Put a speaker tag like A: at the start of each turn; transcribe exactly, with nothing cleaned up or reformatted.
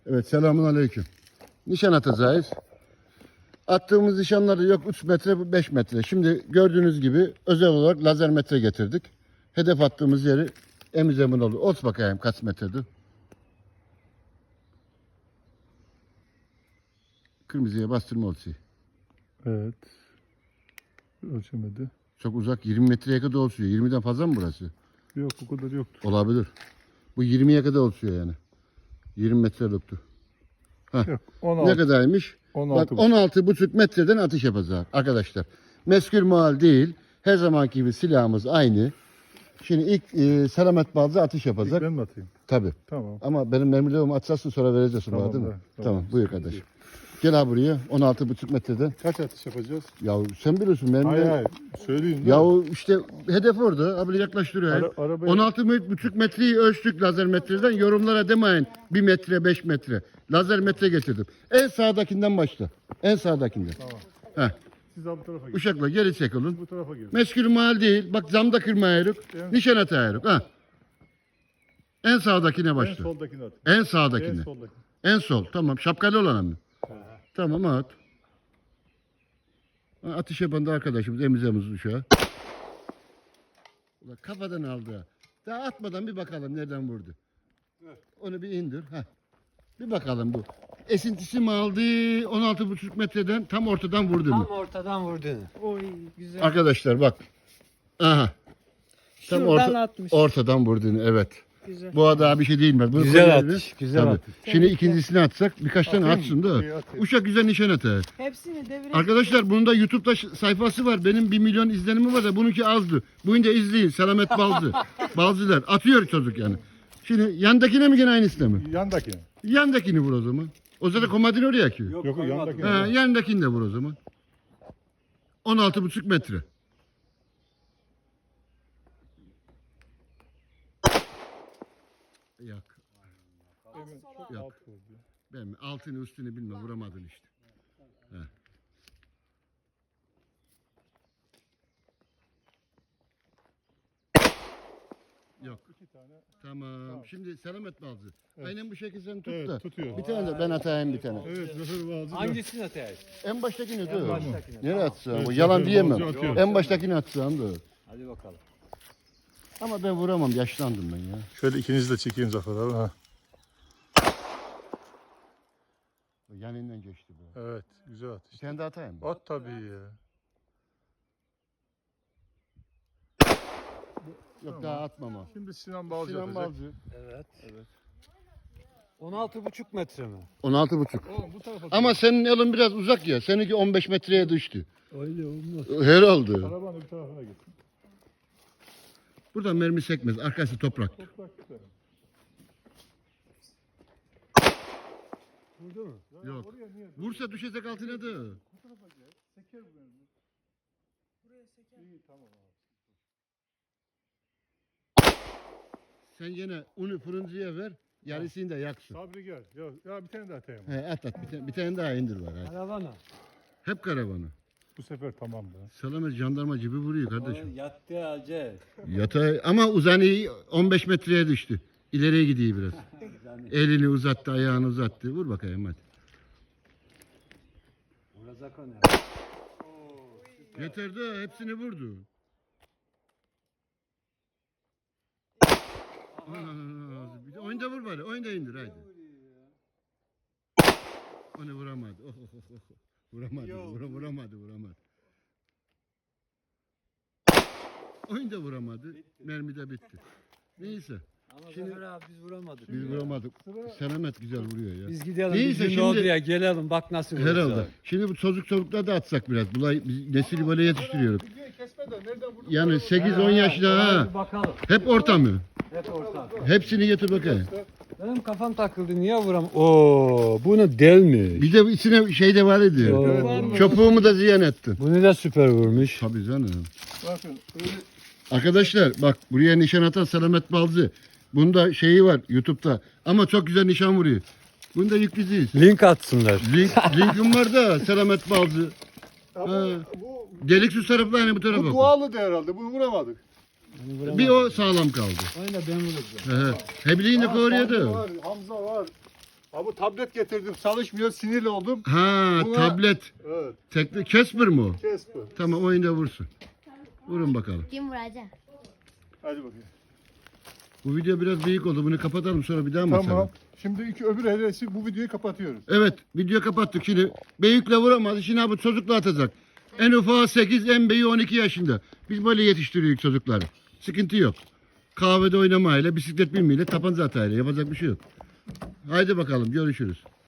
A: Evet, selamun aleyküm. Nişan atacağız. Attığımız nişanları yok üç metre, beş metre. Şimdi gördüğünüz gibi özel olarak lazer metre getirdik. Hedef attığımız yeri emiz emin olur. Ot bakayım kaç metredir. Kırmızıya bastırma olsun.
B: Evet. Ölçemedi.
A: Çok uzak, yirmi metreye kadar olsuyor. yirmiden fazla mı burası?
B: Yok, o kadar yoktur.
A: Olabilir. Bu yirmiye kadar olsuyor yani. yirmi metre yoktu.
B: Yok. on altı.
A: Ne kadarmış?
B: on
A: Bak
B: altı.
A: on altı buçuk metreden atış yapacağız arkadaşlar. Meskür muhal değil. Her zamanki gibi silahımız aynı. Şimdi ilk e, selamet bazı atış
B: İlk
A: yapacak.
B: ben mi atayım?
A: Tabii.
B: Tamam.
A: Ama benim mermilerimi atacaksın sonra vereceksin
B: Tamam,
A: bana değil mi?
B: da,
A: Tamam,
B: tamam.
A: buyur kardeş. Gel abi buraya on altı buçuk metreden.
B: Kaç atış yapacağız?
A: Ya sen biliyorsun mermiler.
B: Hayır hayır. Söyleyeyim.
A: Ya işte hedef orada. Abi yaklaştırıyor.
B: Ara, arabaya...
A: on altı buçuk metreyi ölçtük lazer metreden. Yorumlara demeyin bir metre beş metre. Lazer metre getirdim. En sağdakinden başla. En sağdakinden.
B: Tamam.
A: Heh.
B: Siz abi bu tarafa gelin.
A: Uşakla geri çek olun.
B: Bu tarafa gelin.
A: Meskül mal değil. Bak camda kırmayırık.
B: Evet.
A: Nişan atayırık. Ha. En sağdakine
B: En
A: başla.
B: soldakini at.
A: En
B: En
A: sağdakine.
B: soldakini.
A: En sol. Tamam. Şapkalı olan mı? Tamam at. Ha, atış yapan da arkadaşımız emizemiz uşağı. Ulan kafadan aldı. ha. Daha atmadan bir bakalım nereden vurdu. Onu bir indir. Heh. Bir bakalım bu. Esintisi mi aldı? on altı buçuk metreden tam ortadan vurdu mu?
C: Tam ortadan vurdun. Oy güzel.
A: Arkadaşlar bak. Aha. Tam
C: Şuradan
A: orta,
C: atmış.
A: ortadan vurduğunu evet.
C: Güzel.
A: Bu daha bir şey değilmez. Bunu
C: Güzel
A: koyarız.
C: atış, güzel
A: Tabii.
C: atış.
A: Şimdi ikincisini atsak birkaç tane
B: Atayım
A: atsın
B: mı?
A: da.
B: İyi, atayım.
A: Uşak güzel nişan atar.
C: Hepsini devire.
A: Arkadaşlar bunun da YouTube'da ş- sayfası var. Benim bir milyon izlenimi var da bununki azdı. Bunca izleyin. Selamet Balcı. Balcılar. Atıyor çocuk yani. Şimdi yandakine mi gene aynısına mı?
B: Yandakini.
A: Yandakini vur o zaman. O zaten komandini oraya akıyor.
B: Yok, o yandakini.
A: Ha, yandakini de vur o zaman. on altı buçuk metre. Yok.
B: Evet, çok
A: Yok.
B: alt vurdu.
A: Ben altını üstünü bilmem vuramadın işte. He. Yok.
B: İki tane.
A: Tamam. Şimdi selamet bazı.
B: Evet.
A: Aynen bu şekilde sen tut
B: Evet,
A: da.
B: tutuyor.
A: Bir tane de ben atayım bir tane.
B: Evet, Zöhür Balcı.
C: Hangisini atayım?
A: En baştakini
C: En
A: dur.
C: baştakini.
A: Nereye
C: Tamam.
A: atsam?
B: Evet,
A: Bu yalan
B: Zöhür
A: diyemem.
B: Balcı atıyor.
A: En baştakini atsam da.
C: Hadi bakalım.
A: Ama ben vuramam. Yaşlandım ben ya.
B: Şöyle ikinizi de çekeyim Zafer abi. Ha.
A: Yanından geçti bu.
B: Evet, güzel
A: Bir
B: atış.
A: tane daha atayım mı?
B: At tabii ya.
A: Yok
B: Tamam.
A: daha atmam o.
B: Şimdi Sinan Balcı
A: Sinan
B: atacak.
A: Balcı.
C: Evet. Evet. on altı buçuk metre mi?
A: on altı buçuk.
B: Oğlum bu tarafa.
A: Ama senin elin biraz uzak ya. Seninki on beş metreye düştü.
C: Öyle olmaz.
A: Herhalde.
B: Arabanın bir tarafına git.
A: Buradan mermi sekmez. Arkası toprak.
B: Toprak güzel.
C: Vurdu mu?
B: Ya
A: Yok.
B: oraya niye?
A: Vursa düşecek altına da.
B: Bu tarafa gel. Seker bu benim. Buraya seker. İyi tamam abi.
A: Sen yine unu fırıncıya ver. Yarısını da yaksın.
B: Sabri gel. Ya, ya bir tane daha atayım.
A: He, at at. Bir tane, bir tane daha indir var. Hadi.
C: Karavana.
A: Hep karavanı.
B: Bu sefer tamam da.
A: Selamet jandarma gibi vuruyor
C: O
A: kardeşim.
C: yattı acı.
A: Yatay ama uzanı on beş metreye düştü. İleriye gidiyor biraz. Elini uzattı, ayağını uzattı. Vur bakayım hadi.
C: Vuracak onu.
A: Yeter de hepsini vurdu. Aa, bir de oyunda vur bari. Oyunda indir haydi. Onu vuramadı. Oh, oh, oh, oh. Vuramadı. Vura, vuramadı. Vuramadı. Oyunda vuramadı. Mermi de bitti. Neyse.
C: Ama
A: Şimdi-
C: Zafer abi biz vuramadık.
A: Biz vuramadık. Selamet güzel vuruyor ya.
C: Biz gidelim.
A: Neyse,
C: Bizim
A: şimdi-
C: ne oldu ya gelelim bak nasıl vuracağız.
A: Herhalde. Şimdi bu çocuk çocuklar da atsak biraz. Bulay, biz nesili böyle yetiştiriyoruz.
B: Videoyu kesme de nereden vurdun?
A: Yani sekiz on yaşında ha.
C: Bir bakalım.
A: Hep orta mı?
C: Hep orta.
A: Hepsini getir bakayım.
C: Benim kafam takıldı niye vuram? Oo, bunu delmiş.
A: Bir de içine şey de var idi.
C: Oo.
A: Çöpüğümü de ziyan ettin.
C: Bunu da süper vurmuş.
A: Tabii canım.
B: Bakın öyle
A: Arkadaşlar bak buraya nişan atan Selamet Balcı. Bunda şeyi var YouTube'da. Ama çok güzel nişan vuruyor. Bunda yükleyeceğiz.
C: Link atsınlar.
A: Link, linkim var da Selamet Balcı.
B: ama
A: Ha.
B: bu
A: Delik su tarafı aynı bu tarafa.
B: bu
A: bak.
B: dualı da herhalde. Bunu vuramadık.
A: Bir o sağlam kaldı.
C: Oyna ben vuracağım.
A: He. Hebliğini
B: Ha,
A: koruyor
B: Sabri
A: da.
B: var, Hamza var. Abi tablet getirdim. Çalışmıyor. Sinirli oldum.
A: Ha
B: Buna-
A: tablet.
B: Evet.
A: Tekli Casper mı o?
B: Kesper.
A: Tamam oyunda vursun. Vurun bakalım.
D: Kim vuracak?
B: Hadi bakayım.
A: Bu video biraz büyük oldu. Bunu kapatalım sonra bir daha mı
B: Tamam.
A: atalım?
B: Şimdi iki öbür hedesi bu videoyu kapatıyoruz.
A: Evet video kapattık şimdi. Büyükle vuramaz. Şimdi abi çocukla atacak. En ufağı sekiz, en büyüğü on iki yaşında. Biz böyle yetiştiriyoruz çocukları. Sıkıntı yok. Kahvede oynamayla, bisiklet binmeyle, tapanca atayla yapacak bir şey yok. Haydi bakalım görüşürüz.